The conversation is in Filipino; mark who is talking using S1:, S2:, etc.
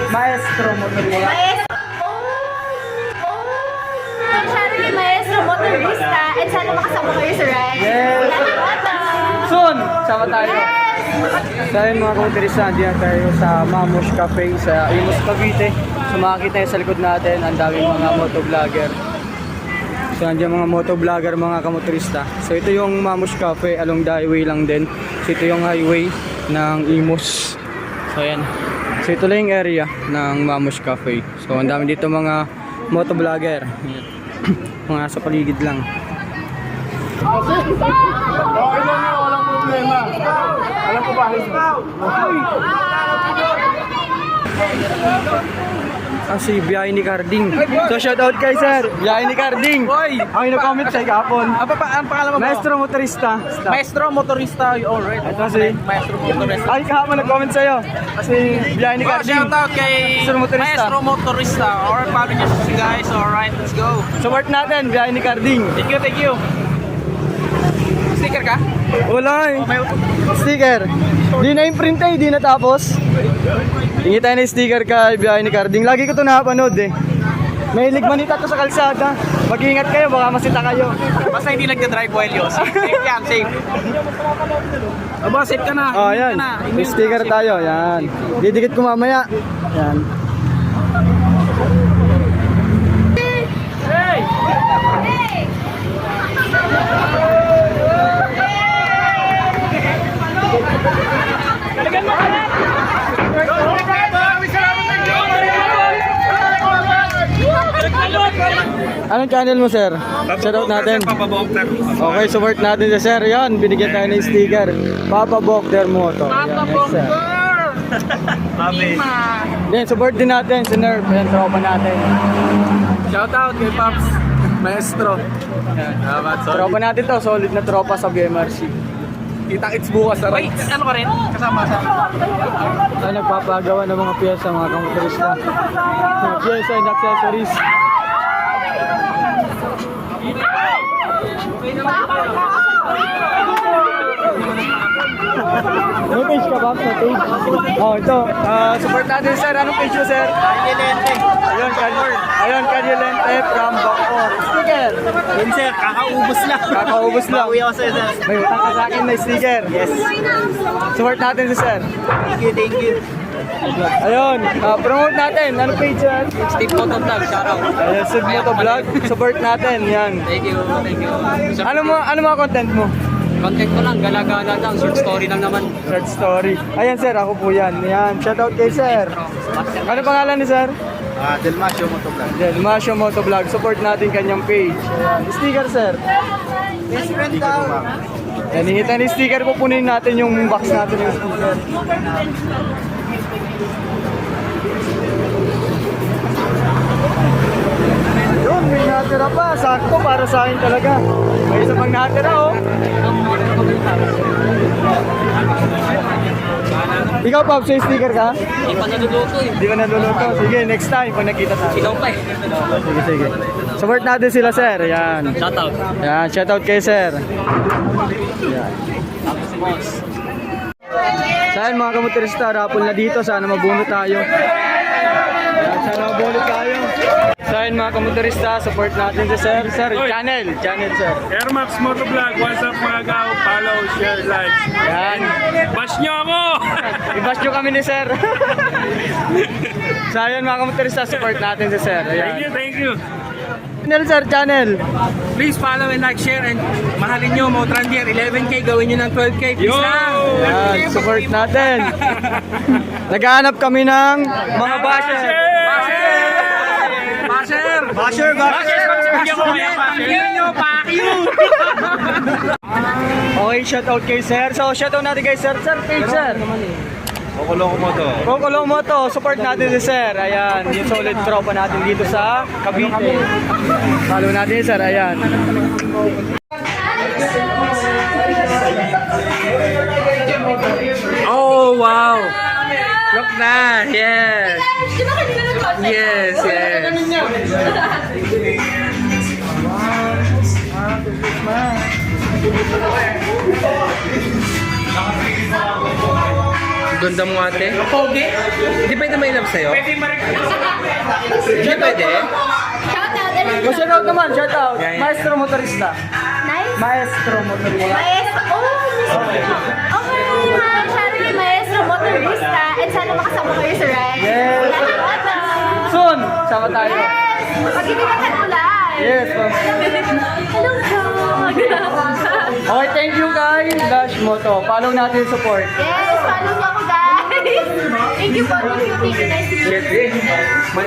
S1: Maestro motorista.
S2: Maestro motorista. And sana makasama kayo sa ride.
S1: Yes. Soon, sama tayo. So ayun mga kamotorista, andiyan tayo sa Mamosh Cafe sa Imus, Cavite. So makikita tayo sa likod natin, ang daming mga motovlogger. So andiyan mga motovlogger, mga kamotorista. So ito yung Mamosh Cafe, along the highway lang din. So ito yung highway ng Imus. So ayan. So ito lang yung area ng Mamosh Cafe. So ang dami dito mga motovlogger. Mga sa paligid lang.
S3: Okay lang yun, walang problema. Alam ko ba?
S1: Kasi biyahe ni Carding. So shoutout kay sir, biyahe ni Carding.
S3: Hoy!
S1: Ang ina-comment sa kahapon.
S3: Ang pangalan mo?
S1: Maestro motorista.
S3: Maestro motorista, alright.
S1: Ito si
S3: Maestro motorista.
S1: ay kahapon nag-comment sa'yo. Kasi biyahe ni Carding.
S3: Shout out kay
S1: Maestro motorista.
S3: Maestro motorista. Alright, follow nyo si guys. Alright, let's go.
S1: Support natin, biyahe ni Carding.
S3: Thank you, thank you. Sticker ka?
S1: Wala eh. Sticker. Di na imprint eh, di natapos. Hingi tayo ng sticker kay biyahe ni Carding. Lagi ko ito napanood eh. May ligmanita to sa kalsada. Mag-iingat kayo, baka masita kayo.
S3: Basta hindi nagda-drive while yun. Safe yan, safe. Aba, safe ka na.
S1: Oh, yan. May sticker tayo, yan. Didikit ko mamaya. Yan. Anong channel mo, sir? Shoutout natin. Okay, support natin si sir. Yan, binigyan tayo ng sticker. Papa Bokter Moto. Yan, yes, sir. Then, support din natin si Nerf. Yan, tropa natin.
S3: Shout out kay Pops. Maestro.
S1: Tropa natin to, solid na tropa sa BMRC.
S3: Kita-kits bukas na rin. Wait, ano ka rin? Kasama sa...
S1: Ay, nagpapagawa ng mga piyesa, mga kamotorista. Mga piyesa and accessories. May page ka ba? May page? Oh, ito. Support natin, sir. Anong page mo, sir?
S3: Kanyelente.
S1: Ayun, Kanyelente from Bacoor. Sticker.
S3: Yun sir, kakaubos lang.
S1: Kakaubos lang.
S3: Bawi ako sa'yo sir.
S1: May utang ka sa akin na sticker. Yes. Support natin si sir.
S3: Thank you, thank you.
S1: Ayun, promote natin. Anong page, sir?
S3: Steve Motovlog, shout out.
S1: Ayun, Sid Motovlog. Support natin. Yan.
S3: Thank you, thank you.
S1: Ano mga content mo?
S3: Content ko lang, gala-gala lang, short story lang naman.
S1: Short story. Ayan, sir. Ako po yan. Yan. Shoutout kay sir. Ano pangalan ni sir?
S3: Delmasio Motovlog.
S1: Delmasio Motovlog. Support natin kanyang page. Ayan. Sticker, sir. Yan, hihita ni sticker. Pupunin natin yung box natin yung sticker. Yun, may natira pa. Sakto para sa akin talaga. May isa pang natira, oh. Ikaw, Pops, may sticker ka?
S3: Hindi pa naluluto eh.
S1: Hindi pa naluluto. Sige, next time pag nakita tayo.
S3: Ikaw pa eh.
S1: Sige, sige. Support natin sila, sir. Yan.
S3: Shout out.
S1: Yan, shoutout kay sir. Yan. Saan mga kamotorista, rapol na dito. Sana mabunot tayo. Yan, sana mabunot tayo. Saan mga kamotorista, support natin si sir. Sir, channel, sir.
S4: Air Max Motovlog, what's up mga gaw? Follow, share, like.
S1: Yan.
S4: Bash nyo ako!
S1: I-bash nyo kami ni sir. So ayun mga kamotorista, support natin si sir.
S4: Thank
S1: Ayan.
S4: you, thank you.
S1: Channel, sir, channel.
S3: Please follow and like, share, and mahalin nyo, Motrandier, 11K, gawin nyo ng 12K, please
S4: Yo!
S3: lang.
S1: Yan, support natin. Naghahanap kami ng mga basher.
S3: Basher!
S4: Bigyan ko kaya basher.
S1: Okay, shoutout kay sir. So, shoutout natin kay sir. Sir, page sir.
S4: Kukulong mo to.
S1: Kukulong mo to. Support natin si sir. Ayan, yung solid tropa natin dito sa Cavite. Follow natin sir. Ayan.
S3: Oh, wow! Look na! Yes! Yes, yes! Ganda mo ate. Pogi? Hindi pwede may love sa'yo? Hindi pwede?
S2: Shout out, Eric.
S1: Shout out naman, shout out.
S3: Yeah, yeah.
S1: Maestro motorista.
S2: Nice.
S1: Maestro motorista.
S2: Maestro. Oh, okay. Hi, Charlie, Maestro Motorista. And sana makasama kayo sa ride.
S1: Yes. Soon, sama tayo.
S2: Yes. Pag-ibigatan ulan.
S1: Yes, ma'am.
S2: Hello, God.
S1: Okay, thank you guys. Dash Moto. Follow natin yung support.
S2: Yes, follow niyo ako, guys. Thank you po. Thank you. Nice to meet you.